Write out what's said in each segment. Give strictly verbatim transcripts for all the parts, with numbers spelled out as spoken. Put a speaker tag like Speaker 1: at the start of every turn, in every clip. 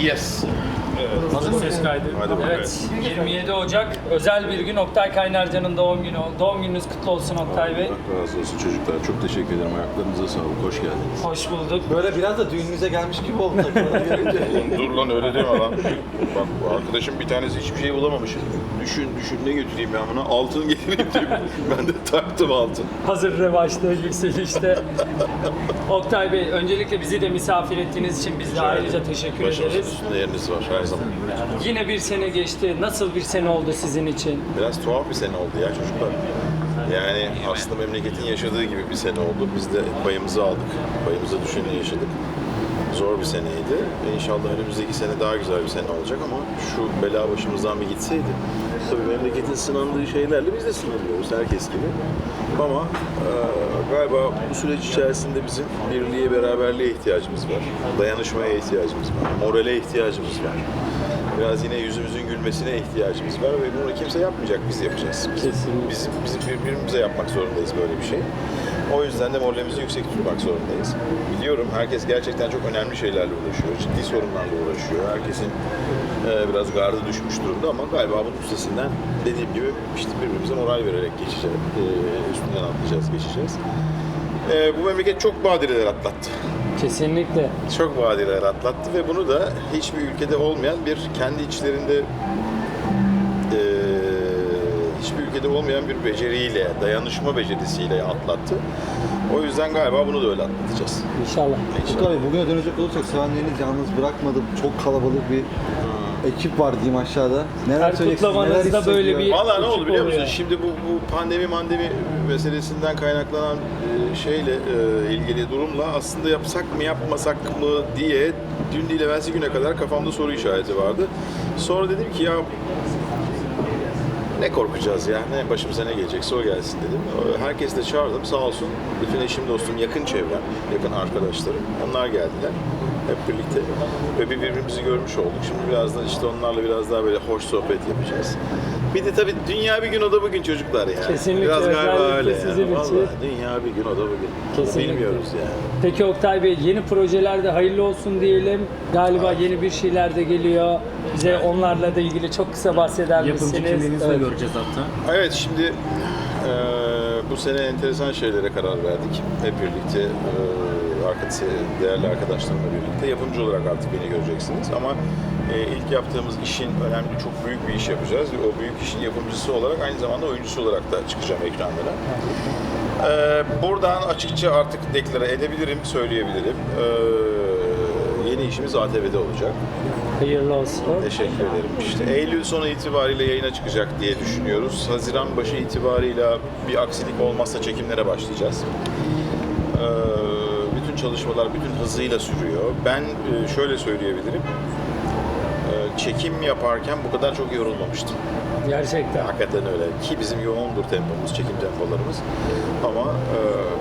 Speaker 1: Yes.
Speaker 2: Evet.
Speaker 3: Hazır ses kaydı.
Speaker 1: Hadi bakalım.
Speaker 3: Evet, yirmi yedi Ocak özel bir gün. Oktay Kaynarca'nın doğum günü. Doğum gününüz kutlu olsun Oktay Bey.
Speaker 1: Allah razı olsun çocuklar. Çok teşekkür ederim. Ayaklarınıza sağlık. Hoş geldiniz.
Speaker 3: Hoş bulduk.
Speaker 2: Böyle biraz da düğününüze gelmiş gibi oldu.
Speaker 1: Oğlum dur lan öyle deme lan. Bak bu arkadaşım bir tanesi hiçbir şey bulamamış. Düşün düşün ne götüreyim ben buna? Altın getireyim diye. Ben de taktım altın.
Speaker 3: Hazır revaçta, yükselişte. Oktay Bey, öncelikle bizi de misafir ettiğiniz için biz de ayrıca teşekkür
Speaker 1: Başımızın
Speaker 3: ederiz.
Speaker 1: üstünde yeriniz var her zaman.
Speaker 3: Yine bir sene geçti. Nasıl bir sene oldu sizin için?
Speaker 1: Biraz tuhaf bir sene oldu ya çocuklar. Yani aslında memleketin yaşadığı gibi bir sene oldu. Biz de payımızı aldık. Payımıza düşeni yaşadık. Zor bir seneydi. İnşallah önümüzdeki sene daha güzel bir sene olacak ama şu bela başımızdan bir gitseydi. Tabii memleketin sınandığı şeylerle biz de sınanıyoruz herkes gibi. Ama e, galiba bu süreç içerisinde bizim birliğe, beraberliğe ihtiyacımız var. Dayanışmaya ihtiyacımız var. Morale ihtiyacımız var. Biraz yine yüzümüzün gülmesine ihtiyacımız var ve bunu kimse yapmayacak, biz yapacağız. Biz,
Speaker 3: Kesinlikle.
Speaker 1: Bizim, bizim birbirimize yapmak zorundayız böyle bir şey. O yüzden de moralimizi yüksek tutmak zorundayız. Biliyorum herkes gerçekten çok önemli şeylerle uğraşıyor, ciddi sorunlarla uğraşıyor. Herkesin e, biraz gardı düşmüş durumda ama galiba bunun üstesinden dediğim gibi işte birbirimize moral vererek geçeceğiz, e, üstünden atlayacağız, geçeceğiz. E, bu memleket çok badireler atlattı.
Speaker 3: Kesinlikle.
Speaker 1: Çok badireler atlattı ve bunu da hiçbir ülkede olmayan bir kendi içlerinde e, hiçbir ülkede olmayan bir beceriyle, dayanışma becerisiyle atlattı. O yüzden galiba bunu da öyle atlatacağız.
Speaker 3: İnşallah.
Speaker 1: İnşallah.
Speaker 2: Tabii bugüne dönecek olursak sevenleriniz yalnız bırakmadı. Çok kalabalık bir ekip var diyeyim aşağıda. Neler
Speaker 3: Her
Speaker 2: söyleyeceksiniz, neler
Speaker 3: kutlamanızda böyle
Speaker 2: hissediyor?
Speaker 3: bir-
Speaker 1: Valla ne
Speaker 3: ekip
Speaker 1: oldu biliyor musun?
Speaker 3: oluyor.
Speaker 1: Şimdi bu, bu pandemi mandemi meselesinden kaynaklanan e, şeyle e, ilgili durumla aslında yapsak mı yapmasak mı diye dün değil evvelsi güne kadar kafamda soru işareti vardı. Sonra dedim ki ya ne korkacağız ya, ne başımıza ne gelecekse o gelsin dedim. Herkesi de çağırdım sağ olsun. Bütün eşim, dostum, yakın çevrem, yakın arkadaşlarım. Onlar geldiler hep birlikte ve bir birbirimizi görmüş olduk. Şimdi biraz da işte onlarla biraz daha böyle hoş sohbet yapacağız. Bir de tabii dünya bir gün o da bugün çocuklar ya.
Speaker 3: Kesinlikle,
Speaker 1: Biraz galiba
Speaker 3: özellikle
Speaker 1: öyle
Speaker 3: sizin
Speaker 1: ya.
Speaker 3: için.
Speaker 1: Vallahi dünya bir gün o da bugün.
Speaker 3: Kesinlikle.
Speaker 1: Bilmiyoruz yani.
Speaker 3: Peki Oktay Bey, yeni projelerde hayırlı olsun diyelim. Galiba yeni bir şeyler de geliyor. Bize onlarla da ilgili çok kısa bahseder misiniz?
Speaker 4: Yapımcı kimliğinizi de
Speaker 3: Evet.
Speaker 4: göreceğiz hatta.
Speaker 1: Evet şimdi e, bu sene enteresan şeylere karar verdik. Hep birlikte e, arkadaşı, değerli arkadaşlarımla birlikte yapımcı olarak artık beni göreceksiniz. Ama e, ilk yaptığımız işin önemli, çok büyük bir iş yapacağız. Ve o büyük işin yapımcısı olarak aynı zamanda oyuncusu olarak da çıkacağım ekranlara. E, buradan açıkça artık deklare edebilirim, söyleyebilirim. E, yeni işimiz A T V'de olacak.
Speaker 3: Hayırlı olsun.
Speaker 1: Teşekkür ederim. İşte Eylül sonu itibariyle yayına çıkacak diye düşünüyoruz. Haziran başı itibarıyla bir aksilik olmazsa çekimlere başlayacağız. Ee, bütün çalışmalar bütün hızıyla sürüyor. Ben e, şöyle söyleyebilirim. Ee, çekim yaparken bu kadar çok yorulmamıştım.
Speaker 3: Gerçekten.
Speaker 1: Hakikaten öyle. Ki bizim yoğundur tempomuz, çekim tempolarımız. Ama e,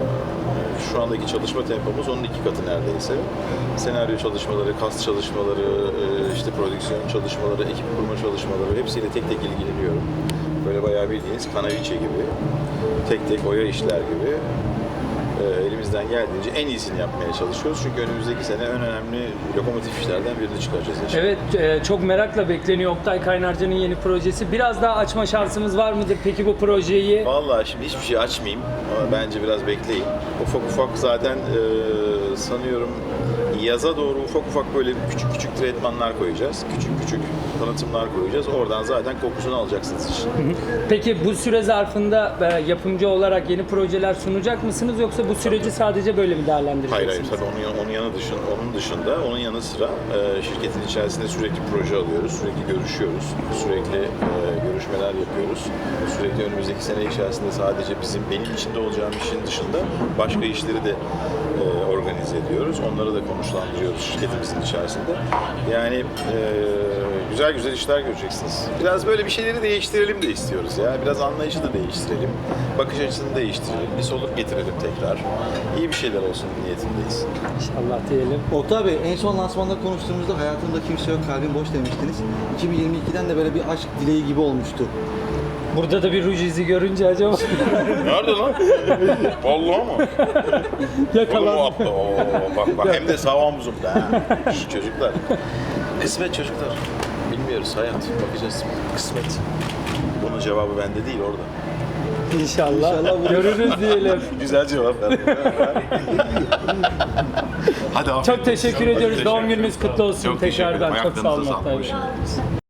Speaker 1: şu andaki çalışma tempomuz onun iki katı neredeyse. Senaryo çalışmaları, kast çalışmaları, e, işte prodüksiyon çalışmaları, ekip kurma çalışmaları hepsiyle tek tek ilgileniyorum. Böyle bayağı bildiğiniz kanaviçe gibi, tek tek oya işler gibi e, elimizden geldiğince en iyisini yapmaya çalışıyoruz. Çünkü önümüzdeki sene en önemli lokomotif işlerden birini çıkaracağız inşallah.
Speaker 3: Evet, e, çok merakla bekleniyor Oktay Kaynarca'nın yeni projesi. Biraz daha açma şansımız var mıdır peki bu projeyi?
Speaker 1: Vallahi şimdi hiçbir şey açmayayım ama bence biraz bekleyin. Ufak ufak zaten e, sanıyorum yaza doğru ufak ufak böyle küçük küçük tretmanlar koyacağız. Küçük küçük tanıtımlar koyacağız. Oradan zaten kokusunu alacaksınız işin.
Speaker 3: Peki bu süre zarfında e, yapımcı olarak yeni projeler sunacak mısınız yoksa bu süreci sadece böyle mi
Speaker 1: Hayır
Speaker 3: değerlendireceksiniz?
Speaker 1: hayır tabii onun, yan- onun yanı dışında, onun dışında, onun yanı sıra e, şirketin içerisinde sürekli proje alıyoruz, sürekli görüşüyoruz, sürekli e, görüşmeler yapıyoruz. Sürekli önümüzdeki sene içerisinde sadece bizim benim içinde olacağım işin dışında başka işleri de e, organize ediyoruz. Onları da konuşlandırıyoruz şirketimizin içerisinde. Yani e, güzel güzel işler göreceksiniz. Biraz böyle bir şeyleri değiştirelim de istiyoruz ya. Biraz anlayışı da değiştirelim. Bakış açısını değiştirelim. Bir soluk getirelim tekrar. İyi bir şeyler olsun niyetindeyiz.
Speaker 3: İnşallah diyelim.
Speaker 2: Oktay Bey, en son lansmanda konuştuğumuzda hayatımda kimse yok, kalbim boş demiştiniz. iki bin yirmi ikiden de böyle bir aşk dileği gibi olmuştu.
Speaker 3: Burada da bir ruj izi görünce acaba
Speaker 1: Nerede lan? Vallahi mı?
Speaker 3: yakalan.
Speaker 1: Oo, bak bak hem de sağ omzumda ha. Şş, çocuklar. Kısmet çocuklar. Bilmiyoruz, hayat. Bakacağız. Kısmet. Bunun cevabı bende değil, orada.
Speaker 3: İnşallah.
Speaker 2: İnşallah
Speaker 3: Görürüz diyelim.
Speaker 1: Güzel cevap verdin. Hadi afiyet
Speaker 3: Çok
Speaker 1: olsun.
Speaker 3: teşekkür ediyoruz.
Speaker 1: Teşekkür
Speaker 3: Doğum gününüz kutlu olsun
Speaker 1: Çok teşekkür ederim.
Speaker 3: tekrardan. Çok sağ olun.
Speaker 1: Ayaklarınıza sağlık.
Speaker 3: Oktay Bey.
Speaker 1: Hoş geldiniz.